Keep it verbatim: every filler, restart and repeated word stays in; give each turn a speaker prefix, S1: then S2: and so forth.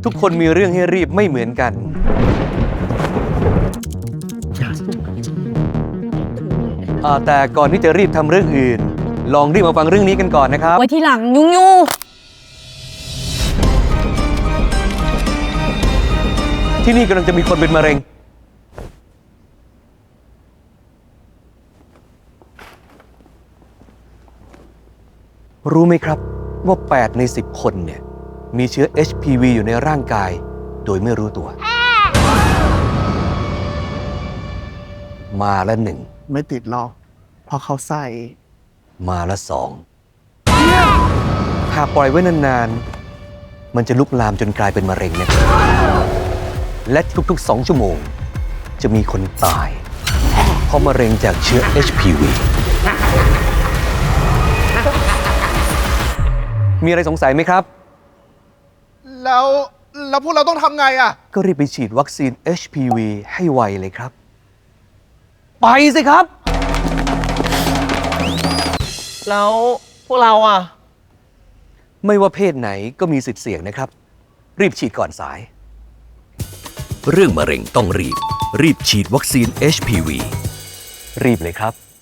S1: ทุกคนมีเรื่องให้รีบไม่เหมือนกันแต่ก่อนที่จะรีบทำเรื่องอื่นลองรีบมาฟังเรื่องนี้กันก่อนนะครับ
S2: ไว้ที่หลังยุ่งยู
S1: ที่นี่กำลังจะมีคนเป็นมะเร็งรู้ไหมครับว่าแปดในสิบคนเนี่ยมีเชื้อ เอช พี วี อยู่ในร่างกายโดยไม่รู้ตัวมาละหนึ่ง
S3: ไม่ติดหรอกเพราะเขาใส่
S1: มาละสองหากปล่อยไว้นานๆมันจะลุกลามจนกลายเป็นมะเร็งนะครับและทุกๆสองชั่วโมงจะมีคนตายเพราะมะเร็งจากเชื้อ เอช พี วี มีอะไรสงสัยไหมครับ
S3: แล้วแล้วพวกเราต้องทำไงอ่ะ
S1: ก็รีบไปฉีดวัคซีน เอช พี วี ให้ไวเลยครับไปสิครับ
S4: แล้วพวกเราอ่ะ
S1: ไม่ว่าเพศไหนก็มีสิทธิ์เสี่ยงนะครับรีบฉีดก่อนสายเรื่องมะเร็งต้องรีบรีบฉีดวัคซีน เอช พี วี รีบเลยครับ